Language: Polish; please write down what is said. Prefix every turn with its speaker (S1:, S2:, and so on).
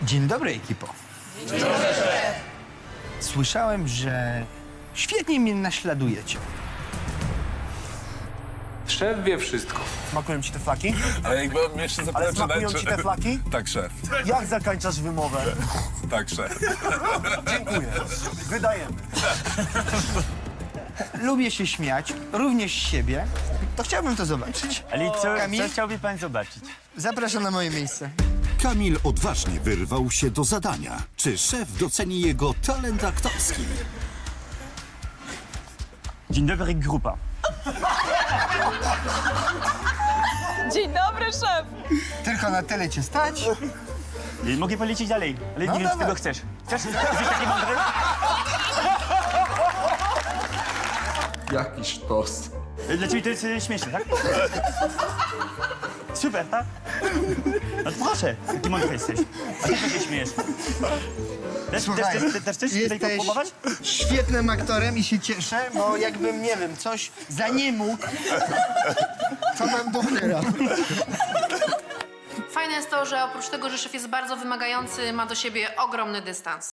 S1: Dzień dobry, ekipo. Dzień dobry. Słyszałem, że świetnie mnie naśladujecie.
S2: Szef wie wszystko.
S3: Smakują ci te flaki?
S4: Ale jakby mnie jeszcze zapytać,
S3: Ale smakują ci te flaki?
S4: Tak, szef.
S3: Jak zakończasz wymowę?
S4: Tak, szef.
S3: Dziękuję. Wydajemy.
S1: Lubię się śmiać, również z siebie. To chciałbym to zobaczyć.
S5: Ale co
S1: Kamil?
S5: chciałby pan zobaczyć?
S1: Zapraszam na moje miejsce.
S6: Kamil odważnie wyrwał się do zadania. Czy szef doceni jego talent aktorski?
S5: Dzień dobry, grupa.
S7: Dzień dobry, szef!
S1: Tylko na tyle cię stać.
S5: Mogę polecieć dalej, ale
S1: No
S5: nie wiem, co
S1: dawaj.
S5: tego chcesz. Chcesz? Jesteś taki mądry?
S2: Jaki sztos.
S5: Dla ciebie to jest śmieszne, tak? Super, tak? No to proszę, taki mądry jesteś. A ty co się śmiejesz?
S1: Słuchaj,
S5: Też chcesz tutaj
S1: jesteś
S5: próbować?
S1: świetnym aktorem i się cieszę, bo jakbym, nie wiem, coś za nie mógł, to mam dopiero.
S8: Fajne jest to, że oprócz tego, że szef jest bardzo wymagający, ma do siebie ogromny dystans.